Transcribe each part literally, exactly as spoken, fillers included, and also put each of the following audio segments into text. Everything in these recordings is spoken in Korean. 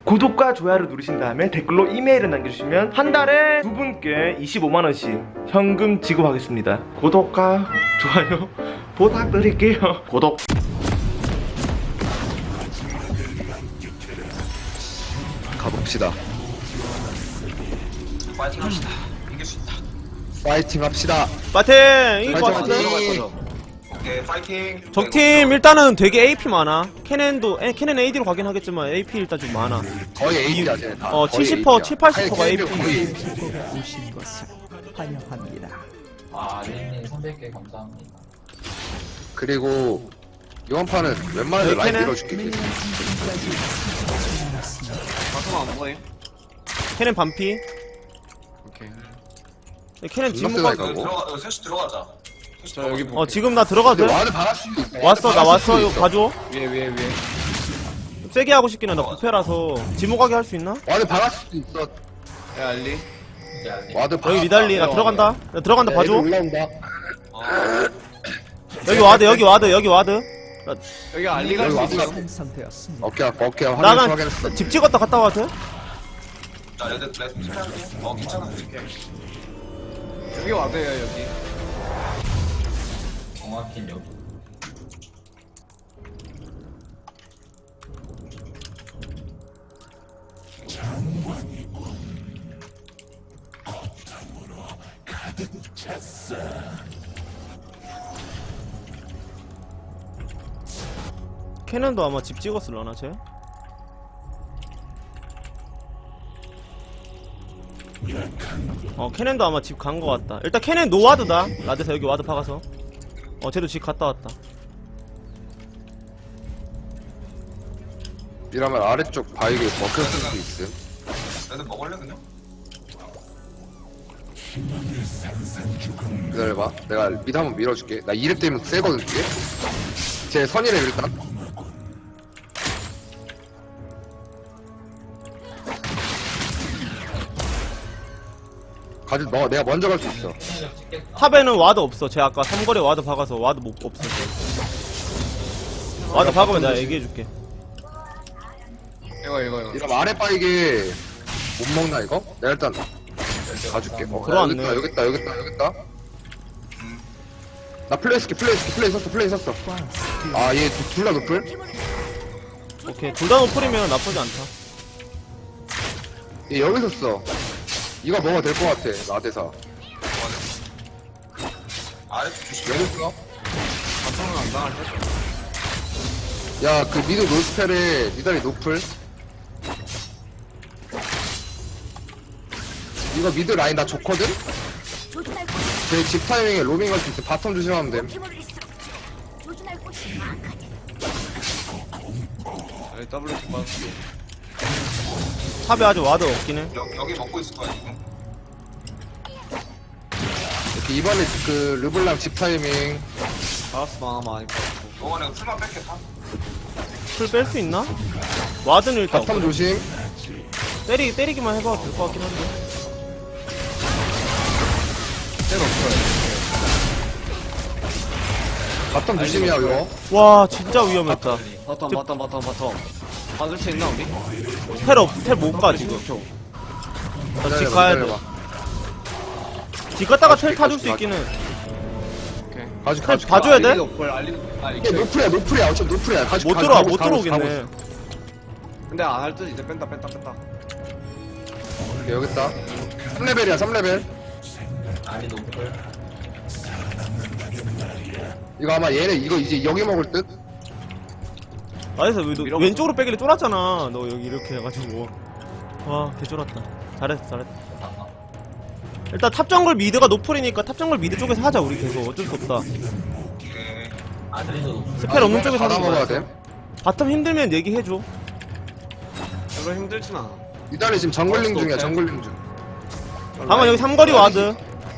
구독과 좋아요를 누르신 다음에 댓글로 이메일을 남겨주시면 한 달에 두 분께 이십오만 원씩 현금 지급하겠습니다. 구독과 좋아요 부탁드릴게요. 구독. 가봅시다. 파이팅 합시다. 이길 수 있다. 파이팅 합시다. 파이팅! 이길 것 파이팅, 같은데? 파이팅. 오케이, 파이팅. 적팀 일단은 되게 에이피 많아. 캐넨도, 에, 캐넨 에이디로 가긴 하겠지만 에이피 일단 좀 많아. 거의 에이피야, 쟤네 다. 어, 거의 칠십 퍼센트, 에이피야. 칠십, 팔십 퍼센트가 아니, 에이피. 거의 오신 것을 환영합니다. 아, 린님 삼백 개 감사합니다. 그리고 이번 판은 웬만해서 여기 라인 캐넨? 밀어줄게. 방송 안 보여? 캐넨 반피. 오케이. 캐넨 지금 존나 가, 세다, 이거. 들어가, 어, 셋이 들어가자. 셋이 여기 들어가자. 어, 지금 나 들어가도 근데 돼? 와드 박을 수도 있어. 왔어, 나 와드 박을 왔어. 수도 이거 있어. 봐줘. 위에 위에 위에. 세게 하고 싶긴 해. 나 부패라서. 지목하게 할 수 있나? 와드 박을 수도 있어. 야 알리. 이제 알리. 와드 박아. 여기 리달리, 나 들어간다. 나 들어간다, 봐줘. 올라온다. 여기 와드, 여기 와드, 여기 와드. 여기 알리가 여기 있어. 와드가 생성되었습니다. 어깨 아파, 어깨 아파. 나는 확인했어. 집 찍었다 갔다 와도 돼? 자, 레드, 레드. 어, 괜찮아. 여기 와드야 여기. 정확히 여기. 캐넨도 아마 집 찍었을라나, 쟤? 어, 캐넨도 아마 집 간 거 같다. 일단 캐넨 노와드다. 라데사 여기 와드 박아서. 어, 쟤도 집 갔다 왔다. 이러면 아래쪽 바위게 먹혔을 수도 있음. 레드 먹을래, 그냥? 기다려봐. 내가 미드 한번 밀어줄게. 나 이렙 때문에 세거든, 이게. 제 선이래, 일단. 가지, 너, 내가 먼저 갈 수 있어. 탑에는 와드 없어. 쟤 아까 삼거리 와드 박아서 와드 못 없어. 와드 박으면 내가 얘기해줄게. 이거 이거 이거. 이러면 아래 바위게 못 먹나, 이거? 내가 일단 가줄게. 어, 들어왔네. 여기 있다, 여기 있다, 여기 있다. 나 플레이 스키, 플레이 스키, 플레이 썼어, 플레이 썼어. 아, 얘 둘 다 노플? 오케이. 둘 다 노플이면 나쁘지 않다. 얘 여기서 써. 이거 먹어도 될 것 같아, 나대사. 아래 조심. 여기 써. 바텀은 안 당할 때. 야, 그 미드 노스펠에 니달이 노플. 이거 미드 라인 나 좋거든? 제 집 타이밍에 로밍 갈 수 있어. 바텀 조심하면 됨. 여기 더블 집 받았어. 탑에 아직 와드 없긴 해. 여, 여기 먹고 있을 거야, 지금. 이렇게 이번에 그 르블랑 집 타이밍. 받았어 많아 많이 받았고. 이번에 풀만 뺄게, 다. 풀 뺄 수 있나? 와드는 일단 바텀 조심. 때리, 때리기만 해봐도 될 것 같긴 한데. 때가 없어요. 바텀 조심이야, 이거. 와, 진짜 위험했다. 바텀 바텀 바텀 바텀. 받을 수 있나 우리? 텔 없, 텔 못 가, 지금. 나 집 가야 돼. 집 갔다가 텔 타줄 수 있기는. 오케이. 가지, 텔 가지. 봐줘야 돼? 알리 노플 알리. 아 이게 이게 노플이야, 노플이야. 어차피 노플이야. 가지, 못 가지, 들어와, 가고 못 있어, 가고 들어오겠네. 있어. 근데 안 할 듯 이제 뺀다 뺀다 뺀다. 오케이, 여기 있다. 삼 레벨이야, 삼 레벨. 알리 노플. 이거 아마 얘네 이거 이제 여기 먹을 듯? 나에서 왜, 너, 밀어보자. 왼쪽으로 빼길래 쫄았잖아. 너 여기 이렇게 해가지고. 와, 개 쫄았다. 잘했어, 잘했어. 일단 탑 정글 미드가 노플이니까 탑 정글 미드 쪽에서 하자, 우리 계속. 어쩔 수 없다. 오케이. 아들이도 노플. 스펠 없는 쪽에서 받아 하는 먹어야 거야. 돼. 바텀 힘들면 얘기해줘. 별로 힘들진 않아. 이달이 지금 정글링 어, 중이야, 오케이. 정글링 중. 방금 여기 삼거리 와드.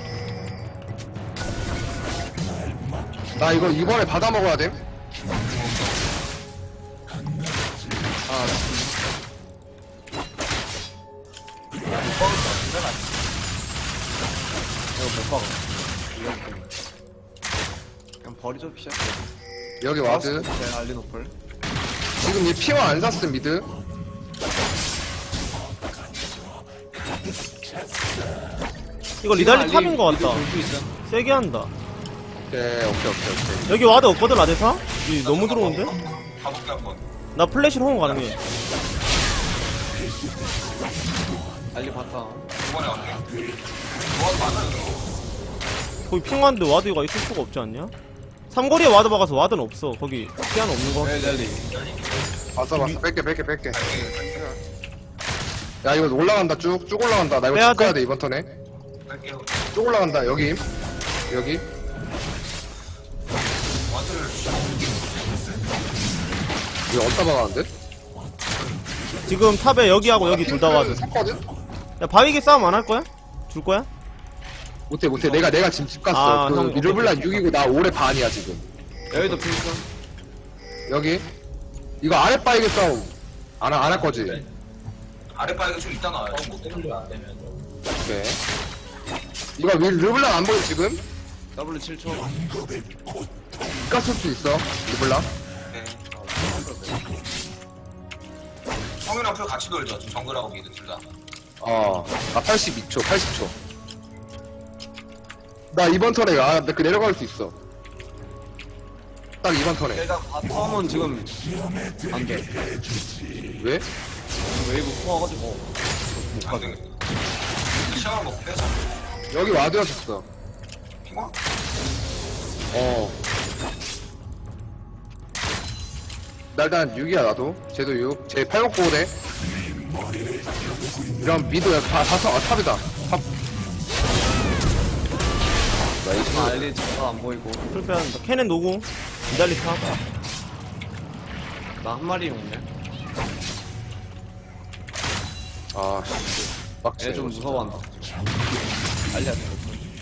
나 이거 이번에 받아 먹어야 돼. 아 이거 못 박아. 이거 때문에. 그냥 버리죠 피셔. 여기 와드. 네 알리 노플. 지금 얘 피어 안 샀음 미드. 이거 리달리 탑인 것 같다. 세게 한다. 오케이 오케이 오케이 오케이. 여기 와드 없거든 라데사? 이 너무 들어오는데? 가볼게 한번. 나 플래시로 호응 가능해. 알리 봤다. 이번에 갈게. 뭐 맞아요. 거기 핑화인데 와드가 있을 수가 없지 않냐? 삼거리에 와드 박아서 와드는 없어. 거기 피아노 없는 거. 네, 알리. 봤어 봤어. 뺄게 뺄게 뺄게. 야 이거 올라간다 쭉 쭉 올라간다. 나 이거 빼야 쭉 가야 돼. 돼 이번 턴에. 갈게요. 쭉 올라간다 여기. 여기. 와드를 이거 어디다 박았는데? 지금 탑에 여기하고 여기 둘 다 와드. 샀거든? 야 바위기 싸움 안 할 거야? 줄 거야? 못해 못해. 내가 내가 지금 집 갔어. 아, 그 형, 미르블란 육이고 나 올해 반이야 지금. 여기도 핑크. 여기. 이거 아래 빠이게 싸움. 안안 할 거지? 아랫바위가 좀 이따 나와요. 못 때리면 안 되면 오케이. 이거 미 르블랑 안 보여 지금? W 칠 초. 가쓸 수 있어. 르블랑. 네. 성윤랑 풀 같이 돌죠. 지금 정글하고 미드 둘 다. 어. 아 팔십이 초, 팔십 초. 나 이번 턴에 아, 나 그 내려갈 수 있어. 딱 이번 턴에. 일단 바텀은 지금 안 돼. 왜? 웨이브 포와가지고. 안 되겠다. 시간을 먹고 빼자. 여기 와드였었어. 핑화? 어. 나 일단 육이야 나도. 쟤도 육. 쟤 팔 먹고 오네. 이런 미드 다 다섯 아 탑이다. 탑. 나이스. 알리 잠깐 안 보이고. 풀 빼야 한다. 캐넨 노구. 리달리 탑. 나 한 마리 있네. 아 씨. 빡치네. 얘 좀 무서워한다. 알리 안 돼.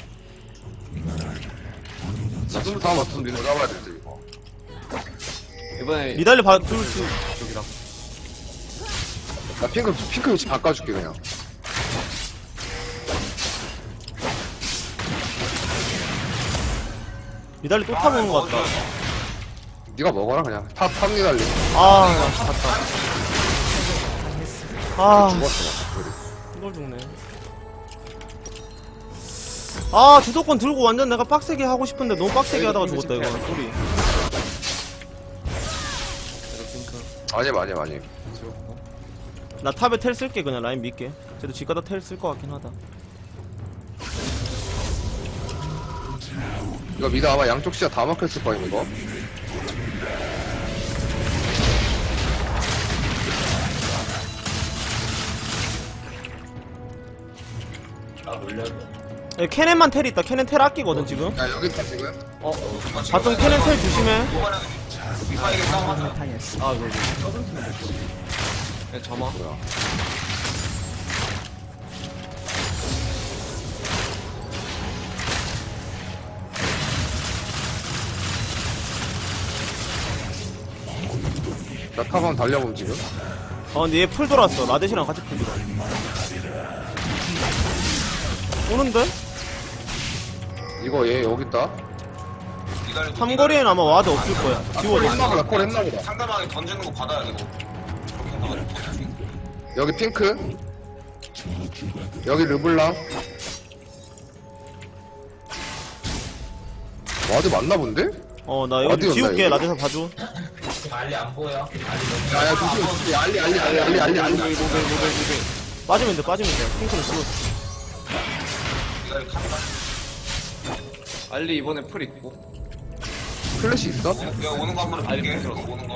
나 지금 다음 같은 미드 잡아야 되지 이거. 이번에 리달리 봐, 둘, 둘. 쪽이랑. 나 핑크 핑크 위치 바꿔줄게 그냥. 리달리 또 탑 오는 것 같다. 네가 먹어라 그냥. 탑 탑니 달리. 아, 나 씨, 갔다. 아, 죽었어. 이걸 죽네. 아, 주도권 들고 완전 내가 빡세게 하고 싶은데 너무 빡세게 하다가 죽었다, 이거. 소리. 얘도 핑크. 아니 많이 많이. 지웠고. 나 탑에 텔 쓸게, 그냥 라인 믿게. 쟤도 집 가다 텔 쓸 것 같긴 하다. 이거 미드 아마 양쪽 시야 다 막혔을 거임 이거. 나 놀려도 야, 캐넨만 텔 있다. 캐넨 텔 아끼거든, 지금. 야 여기 있다 지금. 어, 바텀 캐넨 텔 조심해. 이번에는 미파에게 싸움하자. 당했습니다. 아, 그러게. 얘 점화. 뭐야? 나 탑 한번 달려봄 지금. 어, 근데 얘 풀 돌았어. 라데시랑 같이 풀 돌아. 오는데? 이거 얘 여기 있다. 기다려. 삼거리엔 아마 와드 없을 거야. 콜 지워져. 했나 보다. 콜 했나 보다. 상대방이 던지는 거 받아야 되고. 그렇게 나가지고. 여기 핑크. 여기 르블랑. 와드 맞나 본데? 어, 나 여기 어디였나, 지울게. 이거? 라데사 봐줘. 알리 안 보여. 알리 너무 야야 조심 조심. 알리 알리 알리 알리 알리 알리. 모델, 모델, 모델, 모델. 빠지면 돼, 빠지면 돼. 핑크는 지워. 기다려. 카메라. 알리 이번에 풀 있고. 플래시 있어? 내가 오는 거 한번 볼게. 오는 거.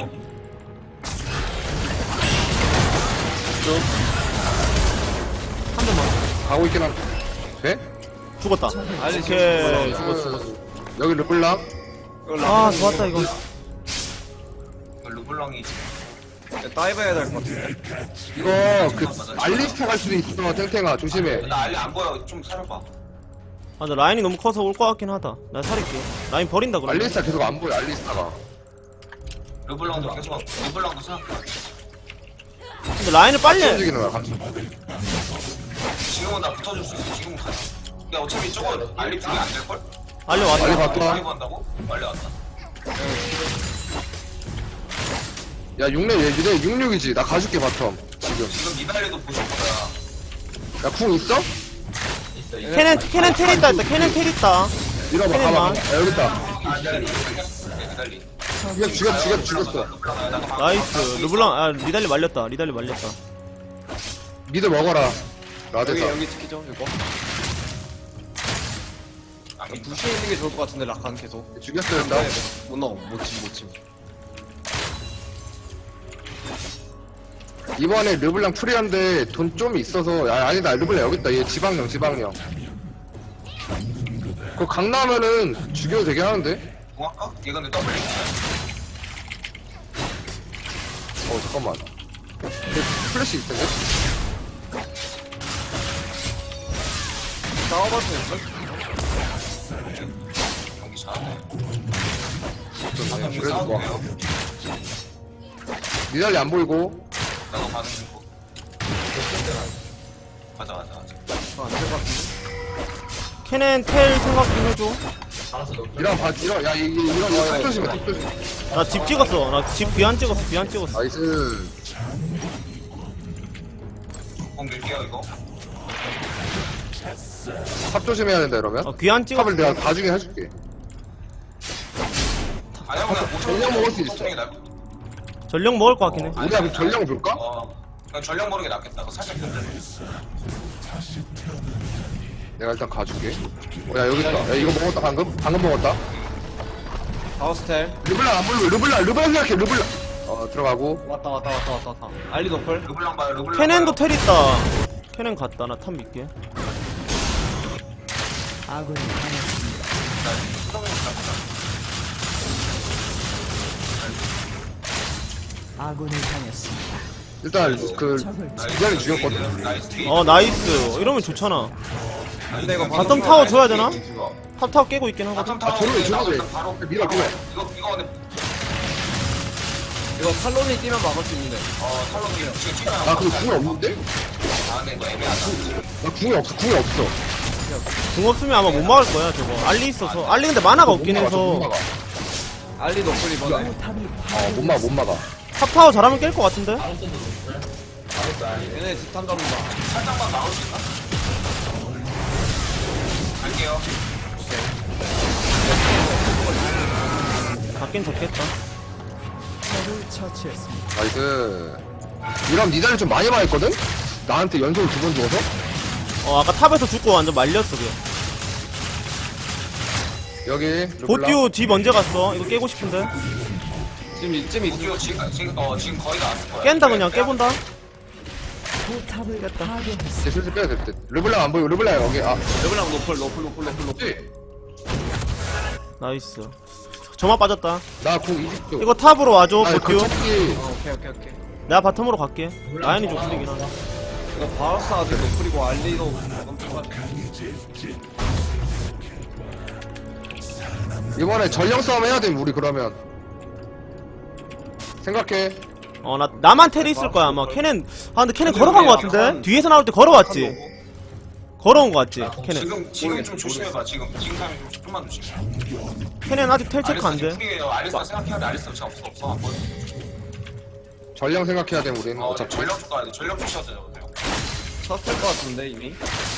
한 대만. 가고 있긴 한데. 돼? 죽었다. 알리 오케이. 지금 죽었어, 죽었어. 여기 르블랑. 아, 좋았다, 이거. 르블랑이 다이브 해야 될 것 같은데. 이거 그 알리스타 갈 수도 있어. 탱탱아 조심해. 나 알리 안 보여. 좀 살려봐. 아, 나 라인이 너무 커서 올 것 같긴 하다. 나 살릴게. 라인 버린다, 그러면. 알리스타 계속 안 보여. 알리스타가. 르블랑도 계속 르블랑도 생각. 근데 라인을 빨리 해. 움직이는 거야. 같이. 지금은 나 붙어줄 수 있어. 지금은 가자. 야 어차피 저거 알리 둘이 안 될 걸? 알려, 왔다. 빨리 봤다. 빨리 간다고? 빨리 왔다. 야 육렙 얘기래. 육육이지. 나 가줄게 바텀. 지금. 지금 니달리도 보실 거야. 야 궁 있어? 있어 있어. 캐넨 캐넨 텔 있다 했다. 캐넨 텔 있다. 밀어봐, 캐넨만. 가봐. 야, 여기 있다. 아 기다리 기다리 이거 죽였어, 죽였어, 죽였어. 나이스. 르블랑 아 리달리 말렸다. 리달리 말렸다. 미드 먹어라. 여기 라데사. 여기 지키죠 이거. 부시에 있는 게 좋을 것 같은데 라칸 계속. 죽였어야 된다. 못 넣어 못침 못침. 이번에 르블랑 프리한데 돈 좀 있어서 아, 아니다 르블랑 여기 있다. 얘 지방령 지방령. 그거 강나면은 죽여도 되긴 하는데. 뭐 할까? 얘 근데 더블 링크야. 어 잠깐만. 근데 플래시 있을 텐데. 싸워봤을 때. 경기 잘하네 좀 한명 그래도 싸워도 뭐. 돼요? 니달리 안 보이고. 나도 반응 주고 가자 가자 가자 안될것 같은데. 캐넨 텔 생각 좀 해줘. 알아서 높여. 이런 봐 이런 야 이- 이- 이런 이거 탁 조심해 탁 조심. 나 집 찍었어. 나 집 귀안 찍었어. 귀안 찍었어. 나이스. 공 밀게요 이거 탑 조심해야 된다 이러면. 어, 귀안 찍었어. 탑을 내가 나중에 해줄게. 아니야 그냥 뭐 전력 먹을 수 있어. 게 낫- 전력 먹을 것 같긴 해. 우리가 그럼 전령 볼까? 어 그냥 전력 모르게 낫겠다 그거 살짝 견뎌 내가 일단 가줄게. 어, 야 여기 있다. 야 이거 먹었다 방금? 방금 먹었다. 바우스텔 르블랑 안 보이고 르블랑 르블랑 생각해 르블랑. 어 들어가고. 왔다 왔다 왔다 왔다 왔다. 알리 노플. 르블랑 봐요 르블랑 캐넨도 봐요. 텔 있다. 캐넨 갔다. 나 탑 믿게. 아군이 당했습니다. 아군이 당했습니다. 일단 그 적을 기다리 죽였거든. 나이스 뒤 어 나이스. 이러면 좋잖아. 근데 이거 바텀 타워 줘야 되나? 이거 탑 타워 깨고 있긴 하거든. 바텀 타워 저러면 줘도 돼. 바로 밀어, 밀어. 이거 이거 근데 이거 탈론이 뛰면 막을 수 있는데. 어 탈론이 지금 찍어야 나 근데 궁이 없는데? 아 근데 이거 애매하다 나 궁이 없어 궁이 없어. 궁 없으면 아마 못 막을 거야 저거. 알리 있어서. 알리 근데 만화가 없긴 못 막아, 못 해서. 막아. 알리 노플 이번에. 탑이 어못 막아 못 막아. 탑 타워 잘하면 깰 것 같은데? 얘네 뒷탄 잡는다. 살짝만 나올 수 있나? 갈게요 잡긴 잡겠다. 적을 처치했습니다. 나이스. 이런 니달리 좀 많이 맞았거든? 나한테 연속으로 두 번 죽어서? 어 아까 탑에서 죽고 완전 말렸어 그냥. 여기 르블랑. 보듀 뒤 언제 갔어? 이거 깨고 싶은데. 지금 이쯤 있어. 우주 지금 지금 어 지금 거의 다 왔을 거야 깬다 그냥 깨본다. 포탑을 파괴했습니다. 이제 슬슬 빼야 될 듯. 르블랑 안 보이고 르블랑 여기 아 르블랑 노플 노플 노플 노플 노플. 나이스. 점화 빠졌다. 나궁 이십 초. 이거 탑으로 와줘 아, 보듀. 그 찾기. 어, 오케이 오케이 오케이. 내가 바텀으로 갈게. 라인이 좀 풀리긴 하다. 이거 바우스 아직 노플이고 알리도 엄청 이번에 전령 싸움 해야 돼 우리 그러면. 생각해. 어 나 나만 텔이 있을 거야 아마. 캐넨 아 근데 캐넨 걸어간 거 같은데? 뒤에서 나올 때 걸어왔지. 걸어온 거 같지 캐넨. 지금 지금 좀 조심해봐 지금 지금 타임 좀 좀만 조심해 캐넨 아직 텔 체크 안 돼. 프리에요 알리스타 생각해야 돼 알리스타 지금 없어 없어 한번 전령 생각해야 돼 우리는 어 어차피. 전력 쪽 가야 돼 전력 쪽 쳐야 돼 쳤을 것 같은데 이미.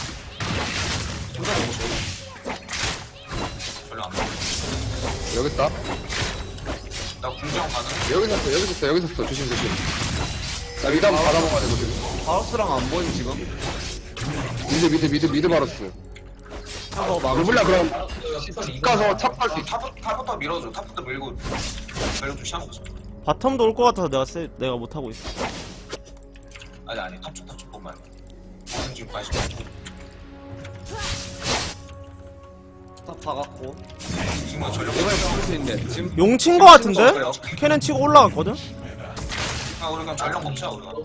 전력 안돼 여기 있다. 나 궁정 가능 여기 있었어 여기 있었어 여기 있었어 조심 조심. 나 미드 한번 받아먹어야 되거든. 바우스랑 안 보임 지금. 미드 미드 미드 미드 바로스. 한거 막을 르블랑 그럼 집 집 가서 탑 갈 수 있어. 탑, 탑부터 밀어줘 탑부터 밀고 전력 좀 시간 거자 바텀도 올 것 같아서 내가 세, 내가 못 하고 있어. 아니 아니 탑쪽 탑쪽 것만 지금 관심 탑 박았고. 지금 전력 이번에 막을 수 있는데 지금 용 친 거 같은데? 캐넨 치고 올라갔거든? 아 우리 그냥 전력 먹자 우리가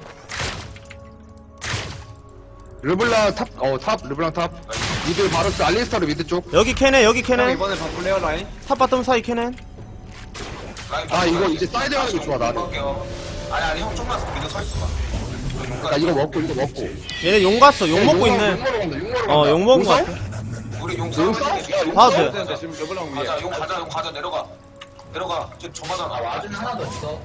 르블랑 탑, 어, 탑, 르블랑 탑. 미드 바로스 알리스타르 미드 쪽. 여기 캐넨 여기 형 캐넨. 이번에 바꿀래요 라인? 탑 바텀 사이 캐넨. 라인 아, 이거 바꿔. 이제 사이드 하는 게 좋아, 나는. 바꿀게요. 아니 아니 형 좀만 믿어 서 있어봐 나 이거 먹고, 이거 먹고. 얘네 용 갔어. 용 먹고 용 있네. 먹으러 간다, 용 먹으러 간다. 어 용 먹은 거 용 같아. 우리 용 용 싸움 싸워? 해줄게. 야, 용 봐도 싸워? 돼. 근데 지금 르블랑 위에. 가자 용 가자 용 가자 내려가 내려가 저 저마잖아 아 와준 하나도 없어.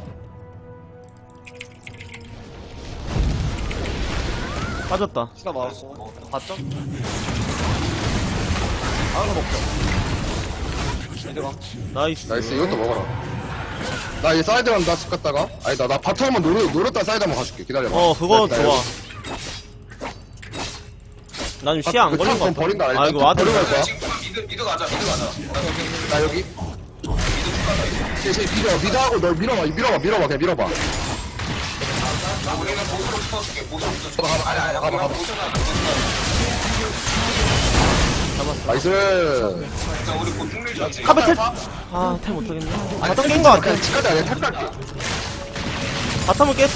빠졌다. 시다 막았고. 봤죠? 하나 먹자. 얘들아. 나이스. 나이스 이것도 먹어라. 나 이제 사이드 간다 집 갔다가. 아니다 나 바텀 한번 노려 노렸다 사이드 한번 가줄게. 기다려봐. 어 그거 나- 나 좋아. 여기- 나 지금 시야 안 그 걸린 거 탑 버린다. 같아. 아니, 아 이거 탑 와드. 버리고 갈 거야. 지금 미드 미드 가자 미드 가자. 나 여기. 쟤쟤 밀어 미드하고 널 밀어봐 밀어봐 밀어봐 그냥 밀어봐. 나 우리는 보스로 붙어줄게 보스로 붙어줄게. 가봐, 가봐, 아니 아니 가봐, 우리가 가봐. 보스는 안 나이스. 자 우리 곧 중밀 전지. 카베텔. 아텔 못하겠네. 아니, 바텀 깬거 같아. 그냥 집 가자 그냥 탑 갈게. 바텀을 깼어.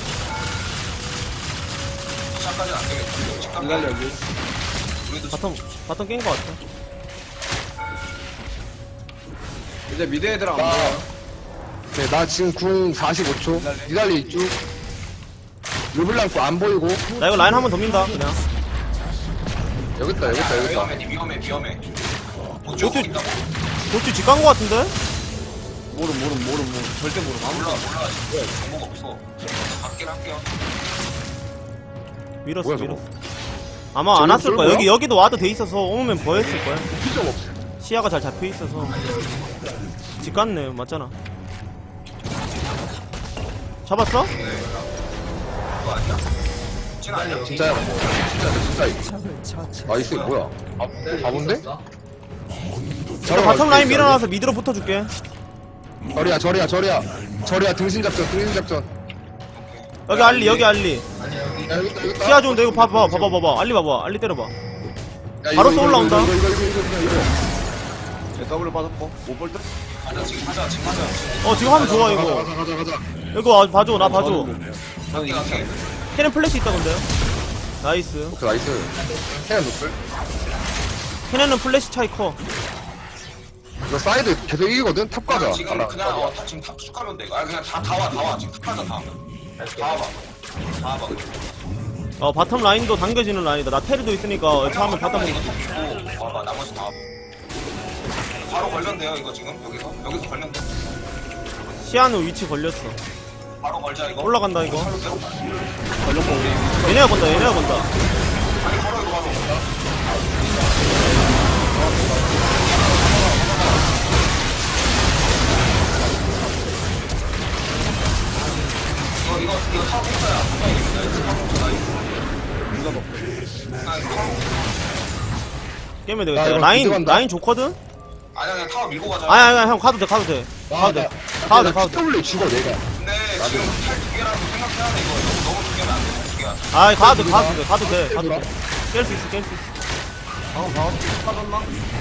시작까지는 안 되겠지. 시작까지. 기다려 여기. 우리도 바텀 바텀 깬 거 같아. 이제 미드 애들 안 나- 보여. 네, 나 지금 궁 사십오 초. 니달리 쭉. 르블랑크 안 보이고. 나 이거 라인 한 번 더 민다 그냥. 여기 있다 여기 있다 여기 있다. 위험해 니 위험해 위험해. 못 어떻게- 죽고 있다고. 도치 직간 거 같은데? 모름 모름 모름 모름. 절대 모름. 몰라 아무도 몰라 지금 정보가 없어. 갈긴 할게요. 밀었어 뭐야, 밀었어. 저거? 아마 안 저기 왔을 거야. 쏠 여기 거야? 여기도 와드 돼 있어서 오면 버였을 거야. 필요가 없어. 시야가 잘 잡혀 있어서. 집 갔네 맞잖아. 잡았어? 그거 아니야? 진 아니야. 진짜야. 진짜 진짜. 적을 처치. 나이스 뭐야? 아, 바본데? 저 바텀 라인 밀어놔서 미드로 붙어줄게. 저리야 저리야 저리야 저리야 등신 작전 등신 작전. 여기 알리 여기 알리. 야 여기 있다 여기 있다. 시야 좋은데 이거 봐봐 봐봐 봐봐 알리 봐봐 알리 때려봐. 야, 바로 이거, 이거, 쏠라온다. 이거 이거 이거 이거 이거 이거. 제 더블 빠졌고 못 볼 듯. 가자 지금 하자 지금 하자. 어 지금 하면 좋아 가자 이거. 가자 가자 가자. 이거 와, 봐줘 나 봐줘. 갈게 갈게. 캐는 플래시 있다 근데. 나이스. 오케이 나이스. 해야 노플. 캐넨은 플래시 차이 커. 이거 사이드 계속 이기거든. 탑 가자. 지금 가라. 그냥 어, 다 지금 탑 축하면 돼. 아 그냥 다 다 와 다 와 지금 탑 가자 다. 다 와봐. 다 와봐. 어 바텀 라인도 당겨지는 라인이다. 나 테리도 있으니까 처음에 바텀 이거 보고. 탑 주고 와봐 나머지 다 와봐. 바로 걸렸네요 이거 지금 여기서 여기서 걸렸네. 시야는 위치 걸렸어. 바로 걸자 이거. 올라간다 이거. 바로 대로. 얘네가 건다 얘네가 건다. 아니 걸어 이거 바로. 이거 이거 이거 탑 공짜야. 탑 공짜야. 누가 먹고. 아 이거 탑 깨면 야, 되겠다. 이거 라인 기대간다. 라인 좋거든. 아니야 그냥 타워 밀고 가자. 아니 아니 형 가도 돼 가도 돼. 가도 돼. 가도 돼 가도 돼. W 죽어 내가. 근데 지금 탈두 개라서 생각해야 돼 이거. 너무 너무 두 개면 안 돼. 두 개야. 아이 가도 돼 가도 돼 가도 돼 가도 돼. 깰 수 있어 깰 수 있어. 방금 방금 빠졌나?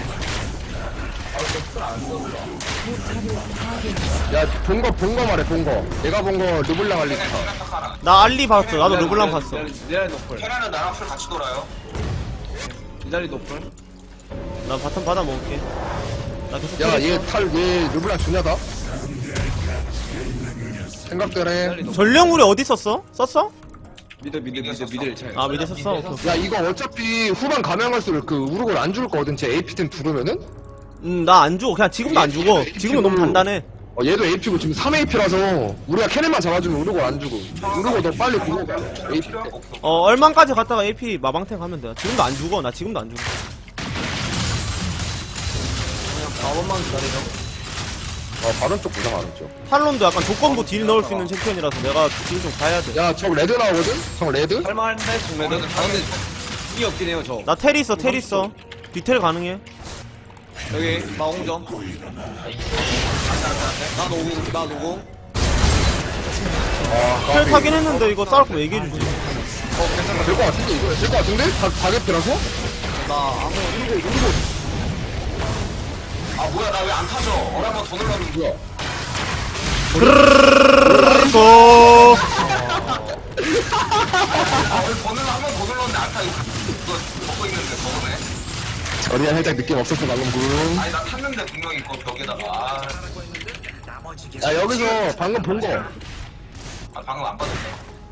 야 본거 본 거 말해 본 거. 내가 본 거 르블랑 알리. 걔네 생각 하나. 나 알리 봤어. 나도 르블랑 봤어. 니달리 노플. 걔네는 나랑 풀 같이 돌아요. 니달리 노플. 나 바텀 받아 먹을게. 나 계속 때렸어. 야얘탈얘 르블랑 주냐다. 생각대로 해. 니달리 노플. 전령우리 어디 썼어? 썼어? 미드 미드 미드 미드 차이. 아 미드 썼어. 오케이, 오케이. 야 이거 어차피 후반 가면 갈수록 그 우르골 안 죽을 거거든. 제 에이피템 부르면은. 음, 나 안 죽어. 그냥 지금도 안 죽어. 지금은 너무 단단해. 어 얘도 에이피고 지금 삼 에이피라서 우리가 캐넨만 잡아주면 우르골 안 죽어. 우르골 너 빨리 구고 가. 에이피 때. 어, 얼만까지 갔다가 에이피 마방탱 하면 돼. 지금도 안 죽어. 나 지금도 안 죽어. 사 번만 기다리죠. 어 바론 쪽 부상 안 했죠. 탈론도 약간 조건부 딜 넣을 수 있는 챔피언이라서 내가 딜 좀 가야 돼. 야저 레드 나오거든. 저 레드. 할만한데 중매는. 아 근데 이게 없긴 해요 저. 나 텔 있어, 텔 있어. 디텔 가능해. 여기 마공점. 나 노공 나 노공. 아 텔 타긴 했는데 이거 싸울 거면 얘기해주지. 어 괜찮다. 될거 같은데 이거 될거 같은데? 다 다개피라서? 나 아무 이거 이거 아 뭐야 나 왜 안 타져? 어라 한번 더 눌렀는데. 뭐야? 그르르르르 아왜 번을 한번 더 눌렀는데 안 타? 이거 이거 먹고 있는데 저번에. 저리야 살짝 느낌 없었어 방금 군. 아니 나 탔는데 분명히 이거 벽에다가. 아, 야 여기서 방금 본 거. 아 방금 안 빠졌네.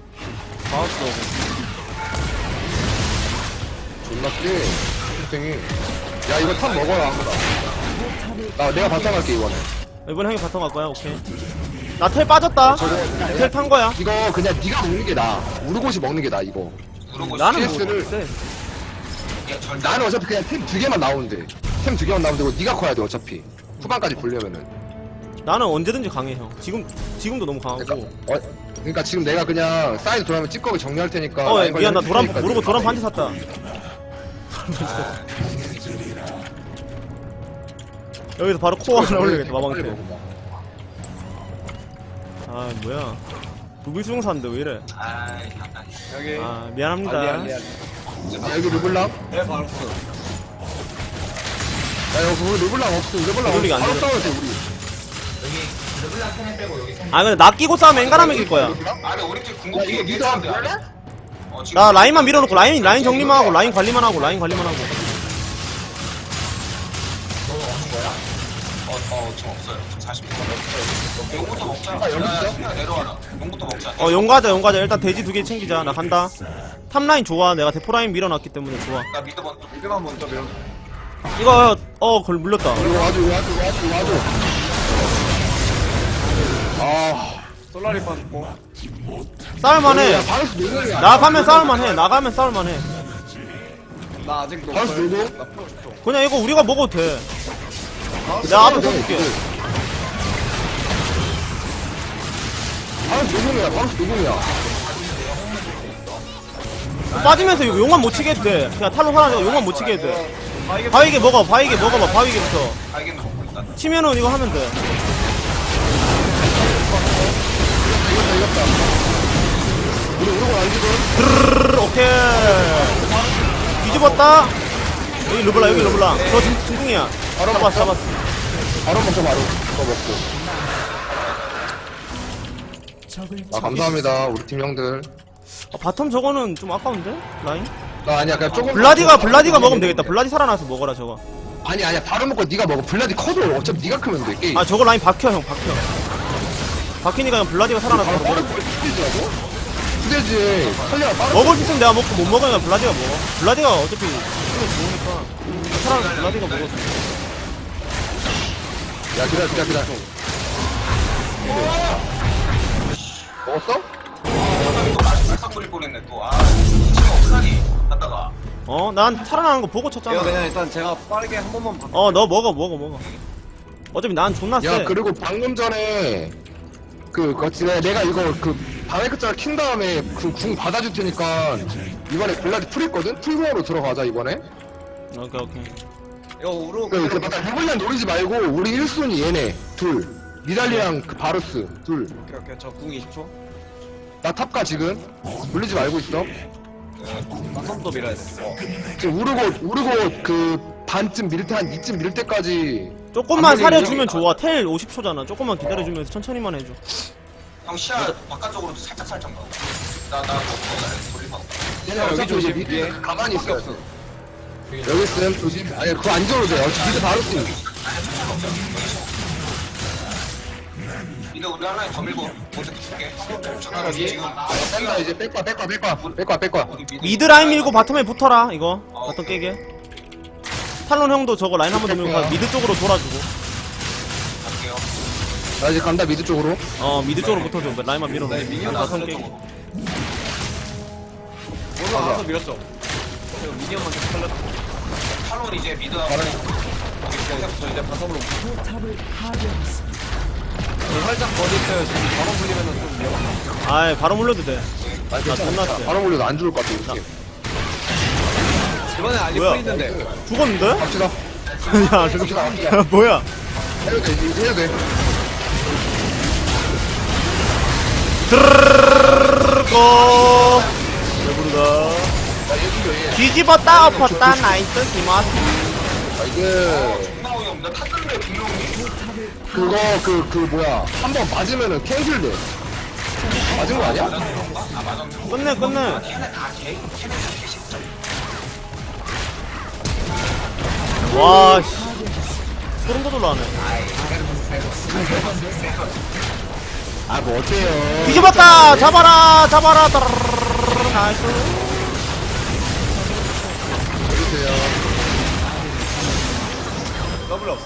존나 세. 탱탱이. 야 이거 탑 먹어라 아무나. 나 내가 바탕 갈게 이번에. 이번 형이 바텀 갈 거야, 오케이. 나 텔 빠졌다. 텔 탄 거야. 이거 그냥 네가 먹는 게 나아. 우르고시 먹는 게 나아 이거. 누르고 나는 뭐, 씨에스를 쎄. 야, 절대 나는 어차피 그냥 템 두 개만 나오는데. 템 두 개만 나오면 되고 네가 커야 돼 어차피 후반까지 보려면은. 나는 언제든지 강해 형. 지금 지금도 너무 강하고. 그러니까, 어, 그러니까 지금 내가 그냥 사이드 돌아오면 찌꺼기 정리할 테니까. 어, 라인 미안, 나 관리 도란, 해줄 테니까 모르고 지금. 도란 반지 샀다. 여기서 바로 코어 하나 올려야겠다, 마방테. 아, 뭐야. 루비 수용사인데 왜 이래. 아이 잠깐. 여기. 아, 미안합니다. 아, 미안, 미안. 아, 여기 르블랑? 네, 바로스. 야, 여기 르블랑 없어. 르블랑 르블링 없어. 안 바로 되네. 싸워야 돼, 우리. 여기 르블랑 캔을 빼고 여기 캔. 아, 근데 나 끼고 싸우면 엔간하면 이길 거야. 아 근데 우리 팀 야, 궁극기 이거 니도 한번 얘기했는데 볼래? 어, 지금 나 라인만 밀어놓고, 라인, 라인 정리만 하고, 라인 관리만 하고, 라인 관리만 하고. 너 없는 거야? 어, 어 지금 없어요. 지금 사십 분 없어요. 용부터 먹자. 아, 여기 있어? 야, 내려와라. 용부터 먹자. 어, 용가자, 용가자. 일단 돼지 두 개 챙기자. 나 간다. 탑라인 좋아. 내가 대포라인 밀어놨기 때문에 좋아. 나 미드 먼저. 미드만 먼저 밀어. 이거, 어, 그걸 물렸다. 이거 와줘, 이거 와줘, 이거 와줘, 이거 와줘. 아, 솔라리 빠졌고. 싸울만해. 야, 바로스 누구야? 나가면 싸울만해. 나가면 싸울만해. 나 아직 노플. 바로스 누구? 나 풀어 줘. 그냥 이거 우리가 먹어도 돼. 바로스 내가 앞에 누구야? 서줄게. 바로스 누구야? 바로스 누구야? 빠지면서 이거 용만 못 치게 해도 돼. 그냥 탈로 하나 용만 못 치게 해도 돼. 아, 이게 바위게 먹어. 바위게 먹어봐. 바위게부터. 알겠네 먹고 있다. 치면은 이거 하면 돼. 이겼다, 이겼다. 우리 우르고 안 지금? 드르르르, 오케이. 뒤집었다. 여기 르블라, 여기 르블라. 저 진- 진궁이야. 바로 잡았어, 잡았어. 바로 먹자, 바로. 이거 먹고. 적을 아, 감사합니다, 우리 팀 형들. 아, 바텀 저거는 좀 아까운데? 라인? 나 아니야, 그냥 조금. 블라디가, 블라디가 먹으면 되겠다. 블라디 살아나서 먹어라, 저거. 아니, 아니야, 바로 먹고 네가 먹어. 블라디 커도 어차피 네가 크면 돼, 게임. 아, 저거 라인 박혀, 형, 박혀. 박히니까 그냥 블라디가 살아나서 바로 먹어. 빠르게 뛰지라고? 그대지. 살려라, 빠르게. 먹을 수 있으면 내가 먹고 못 먹으면 블라디가 먹어. 블라디가 어차피 힘이 좋으니까. 살아나서 블라디가 먹어. 야, 기다려, 기다려, 기다려. 먹었어? 또 맛이 발싹 거릴 뻔했네 또. 아 지금 없다니. 갔다가. 어, 난 살아나는 거 보고 이거 쳤잖아. 그냥 일단 제가 빠르게 한 번만 봐. 어, 너 먹어, 먹어, 먹어. 어차피 난 존나 세. 야, 그리고 방금 전에 그, 그치, 내가 이거 그 바이크짤 킨 다음에 그 궁 받아줄 테니까 이번에 블라디 풀했거든? 풀공으로 들어가자, 이번에. 오케이, 오케이. 이거 우르고 그, 그, 그대로 맞다, 해블란 노리지 말고, 우리 일 순위 얘네, 둘. 미달리랑 그 바루스, 둘. 오케이 오케이 저 궁 이십 초. 나 탑가 지금. 물리지 말고 있어. 나 선도 밀어야 돼. 지금 우르고, 우르고 그 반쯤 밀 때, 한 이쯤 밀 때까지. 조금만 아무리 사려주면 이렇게- 좋아. 텔 오십 초잖아. 조금만 기다려주면서 천천히만 해줘. 형 시야 바깥쪽으로 살짝 살짝 나와. 나나 돌릴 거. 얘네 여기 어차피 조심, 이제 위에. 미드 가만히 있어. 여기 있음, 조심. 아니, 그거 안 줘도 돼. 어차피 미드 바루스. 이거 우리 하나에 더 밀고 먼저 줄게. 여기? 지금 뺀다, 이제 뺄거야, 뺄거야, 뺄거야. 뺄거야, 뺄거야. 우리 미드 미드 라인 밀고 바텀에 붙어라. 이거 바텀 깨게. 탈론 형도 저거 라인 한번 더 밀고 가. 미드 쪽으로 돌아주고. 갈게요. 나 이제 간다, 미드 쪽으로. 어, 미드 쪽으로 붙어줘. 라인만 밀어. 네, 미니언 바텀 깨게. 오늘 알아서 밀었죠. 지금 미니언만 계속 살렸어. 탈론 이제 미드 저 이제 바텀으로 포탑을 파괴했습니다. 살짝 버릴 때 지금 바로 불리면은 좀 위험하다. 아이, 바로 물려도 돼. 아, 나 존나 세. 바로 몰려도 안 죽을 것 같아, 이렇게. 이번에 알리 뭐야? 풀 있는데. 죽었는데? 갑시다. 야, 저거 뭐야? 해도 돼, 이제 해도 돼. 드르르르르르르 배부르다. 뒤집었다 엎었다 나이스 기마스. 아, 이게. 나오이 형. 나 탔는데 분명히. 그거, 그, 그, 뭐야. 한 번 맞으면은 캔슬돼. 맞은 거 아니야? 끝내 끝내. 와 씨. 소름 돋으려네. 아, 뭐, 어때요? 뒤집었다 잡아라 잡아라. 따르르르르르, 나이스. 해주세요. 더블 없어.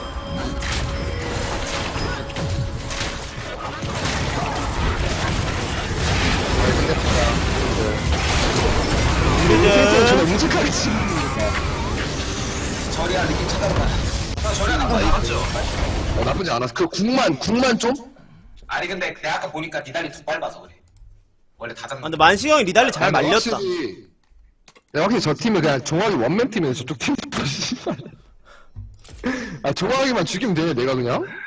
이제 이제 저거 묵직하게 치는 저리야 느낌 찾아라. 형 저래 나빠 맞죠? 어, 나쁘지 않았어. 그 궁만 궁만 좀. 아니 근데 내가 아까 보니까 니달리 좀 빨라서 그래. 원래 다 아, 잡는. 근데 만시 형이 리달리 잘 아, 내가 말렸다. 확실히, 내가 확실히 저 팀은 그냥 종학이 원맨 팀이에요. 저쪽 팀. 아 종학이만 죽이면 돼. 내가 그냥.